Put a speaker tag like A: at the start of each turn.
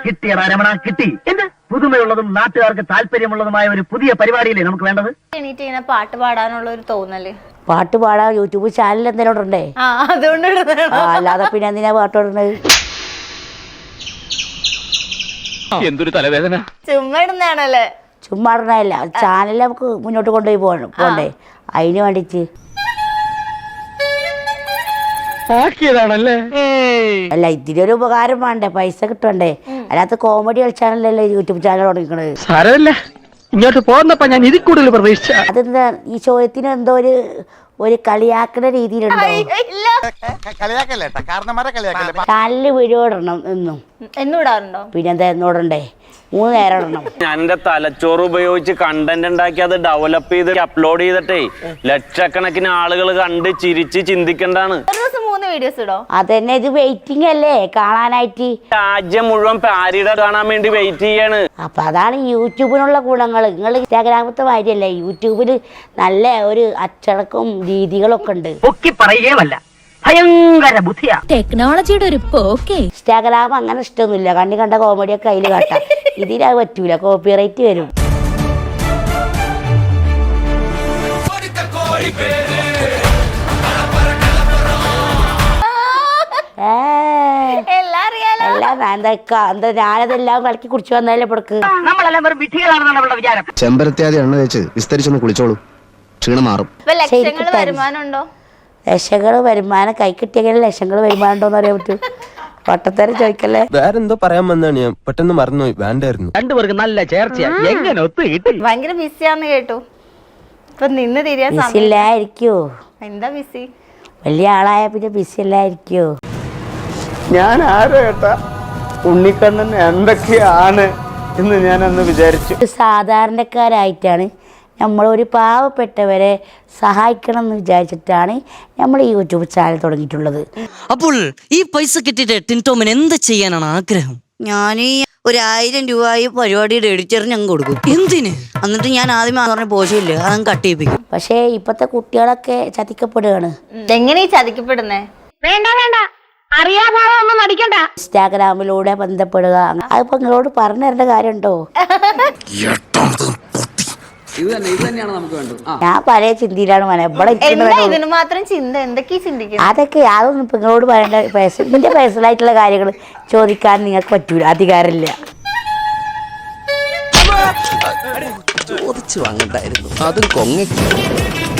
A: കിട്ടിയടാ രമണ, കിട്ടി. എന്ത് പുതുമയുള്ളതും നാട്ടുകാർക്ക് താല്പര്യമുള്ളതുമായ ഒരു പുതിയ പരിപാടിയില്ലേ നമുക്ക് വേണ്ടത്?
B: എണീറ്റ് ഇങ്ങനെ പാട്ട് പാടാനുള്ള ഒരു തോന്നല്.
C: പാട്ട് പാടാ യൂട്യൂബ് ചാനൽ എന്തെങ്കിലും ഉണ്ടേ?
B: അതുകൊണ്ട്
C: അല്ലാതെ പിന്നെ എന്തിനാ പാട്ട് പാടുന്നത്?
D: എന്തൊരു തലവേദന.
B: ചുമ്മാ ഇടുന്നതാണല്ലേ?
C: ചുമ്മാ ഇടണല്ല, ചാനൽ നമുക്ക് മുന്നോട്ട് കൊണ്ടുപോയി പോണ്ടേ, അതിന് വേണ്ടിട്ട്. അല്ല, ഇതിനൊരു ഉപകാരം വേണ്ടേ, പൈസ കിട്ടണ്ടേ? അല്ലാത്ത കോമഡി കളിച്ചാണല്ലോ യൂട്യൂബ് ചാനൽ തുടങ്ങിക്കണത്.
D: സാരമില്ല, ഇങ്ങോട്ട് പോകുന്നപ്പോ ഞാൻ ഇതിൽ കൂടുതൽ പ്രതീക്ഷിച്ച.
C: അതെന്താ ഈ ചോദ്യത്തിന് എന്തോ ഒരു കളിയാക്കുന്ന രീതിയിലുണ്ടോ? ചാനലിൽ വീഡിയോ ഇടണം എന്നും.
B: എന്നോടാറുണ്ടോ?
C: പിന്നെന്താ എന്നോടണ്ടേ? 3 നേരം ഇടണം.
E: ഞാൻ എന്റെ തലച്ചോറ് ഉപയോഗിച്ച് കണ്ടന്റ് ഉണ്ടാക്കി അത് ഡെവലപ്പ് ചെയ്ത് അപ്ലോഡ് ചെയ്തിട്ടേ ലക്ഷക്കണക്കിന് ആളുകൾ കണ്ട് ചിരിച്ച് ചിന്തിക്കണ്ടാണ്.
B: ഒരു ദിവസം 3 വീഡിയോസ് ഇടോ?
C: അതന്നെ, ഇത് വെയിറ്റിംഗ് അല്ലേ കാണാനായിട്ട്.
E: രാജ്യം മുഴുവൻ പാരിയുടെ കാണാൻ വേണ്ടി വെയിറ്റ് ചെയ്യാണ്.
C: അപ്പൊ അതാണ് യൂട്യൂബിനുള്ള ഗുണങ്ങൾ. നിങ്ങൾ ഇൻസ്റ്റാഗ്രാമത്തെ മാതിരിയല്ലേ, യൂട്യൂബിൽ നല്ല ഒരു അച്ചടക്കവും രീതികളൊക്കെ ഉണ്ട്.
A: പൊക്കി പറയുകയുമല്ല, ഭയങ്കര ബുദ്ധിയാ.
F: ടെക്നോളജിയുടെ ഒരു പോക്കേ.
C: ഇൻസ്റ്റാഗ്രാം അങ്ങനെ ഇഷ്ടമൊന്നുമില്ല, കണ്ണി കണ്ട കോമഡിയൊക്കെ അതിൽ കാട്ടാം. ഇതിനത് പറ്റൂല, കോപ്പിറൈറ്റ് വരും. എന്താ ഞാനതെല്ലാം കളക്കി കുടിച്ചു വന്നാലേ പൊടുക്ക്.
A: നമ്മളെല്ലാം വെറും വിധികളാണെന്നാണ് അവളുടെ വിചാരം.
G: ചെമ്പരത്തിയാതി എണ്ണ വെച്ച് വിസ്തരിച്ചൊന്ന് കുളിച്ചോളൂ, ക്ഷീണം മാറും.
B: ലക്ഷങ്ങൾ വരുമാനമുണ്ടോ?
C: ലക്ഷങ്ങൾ വരുമാനം കൈ കിട്ടിയെങ്കിലും ലക്ഷങ്ങൾ വരുമാനം ഉണ്ടോന്ന് അറിയാൻ പറ്റൂ. വട്ടത്തേരം ചോദിക്കല്ലേ.
H: വേറെന്തോ പറയാൻ വന്നാണ്, ഞാൻ പെട്ടെന്ന് മറന്നുപോയി, വേണ്ടായിരുന്നു.
D: രണ്ടുപേർക്ക് നല്ല ചേർച്ചയാ, എങ്ങനെ ഒത്തു കിട്ടി?
B: ഭയങ്കര ബിസിയാന്ന് കേട്ടു. ഇപ്പൊ നിന്ന് തിരിയാൻ
C: ബിസി ഇല്ലായിരിക്കോ?
B: എന്താ ബിസി?
C: വലിയ ആളായ പിന്നെ ബിസി ഇല്ലായിരിക്കോ?
I: ഞാൻ ആരോ ഏട്ടാ, ഉണ്ണിക്കണ്ണൻ എന്തൊക്കെയാണ് എന്ന് ഞാൻ അന്ന് വിചാരിച്ചു.
C: സാധാരണക്കാരായിട്ടാണ് നമ്മളൊരു പാവപ്പെട്ടവരെ സഹായിക്കണം എന്ന് വിചാരിച്ചിട്ടാണ് നമ്മൾ ഈ യൂട്യൂബ് ചാനൽ തുടങ്ങിയിട്ടുള്ളത്.
J: അപ്പോൾ ഈ പൈസ കിട്ടിയിട്ട് ടിൻടോമിന് എന്ത് ചെയ്യാനാണ് ആഗ്രഹം?
C: ഞാൻ 1000 രൂപ പരിപാടിയുടെ എഡിറ്ററിന് ഞങ്ങൾ കൊടുക്കും.
J: എന്തിന്?
C: എന്നിട്ട് ഞാൻ ആദ്യം പറഞ്ഞ പോഷമില്ല, അതങ്ങ് കട്ട് ചെയ്യിപ്പിക്കും. പക്ഷേ ഇപ്പോഴത്തെ കുട്ടികളൊക്കെ ചതിക്കപ്പെടുകയാണ്.
B: എങ്ങനെയാ ചതിക്കപ്പെടുന്നേ? വേണ്ട വേണ്ട, അറിയാഭാവം നടിക്കണ്ട.
C: ഇൻസ്റ്റാഗ്രാമിലൂടെ ബന്ധപ്പെടുക, അതിപ്പോ നിങ്ങളോട് പറഞ്ഞു തരേണ്ട കാര്യമുണ്ടോ? ഞാൻ പല ചിന്തയിലാണ്
B: ഇതിന് മാത്രം ചിന്ത എന്തൊക്കെയാ ചിന്തിക്കുന്നത്?
C: അതൊക്കെ അതൊന്നും ഇപ്പൊ നിങ്ങളോട് പറയേണ്ട. ഇതിന്റെ പേഴ്സണലായിട്ടുള്ള കാര്യങ്ങൾ ചോദിക്കാൻ നിങ്ങൾക്ക് പറ്റൂല, അധികാരമില്ല.
H: ചോദിച്ചു വാങ്ങണ്ടായിരുന്നു, അതും കൊങ്ങ.